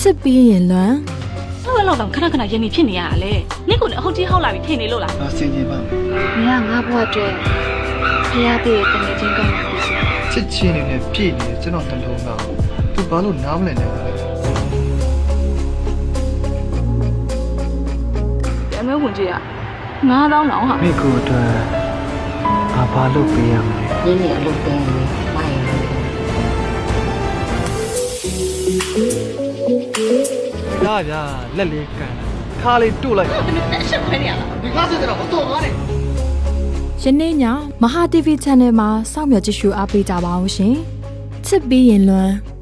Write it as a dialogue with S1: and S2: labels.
S1: ပြီးရင်လွမ်း
S2: ဆောက်ရလောက်တော့ခဏခဏရင်နေဖြစ်နေရတာလေနင့်ကိုလည်းအဟုတ်ကြီးဟောက်လာပြီးထင်နေလို့လား
S3: ငါစင်ကြင်ပါမယ်
S4: မင်းကငါ့ဘဝအတွက်ဖျားပြည့်တဲ့ငွေချင်းကောင်းတာဖြစ်စီ
S3: ချစ်ချင်းနေနဲ့ပြည့်နေကျွန်တော်နှလုံးသားသူဘာလို့နားမလည်နိုင်လဲ
S2: အမဲဝင်ကြီးက9000တောင်ဟာ
S3: မိကိုအတွက်ငါဘာလို့ပေးရမလဲ
S5: 你也路边的，妈也路边。
S3: ရဗျာလက်လေးကန်ခါလေးတို့လိုက်
S2: တက်ရှက်ခွဲနေရလား
S3: ဒီကားစစ်တော့မတော်ကားနဲ့
S1: ယနေ့ညမဟာ TV Channel မှာစောင့်မျှော်ကြည့်ရှုအားပေးကြပါအောင်ရှင်ချစ်ပြီးရင်လွမ်း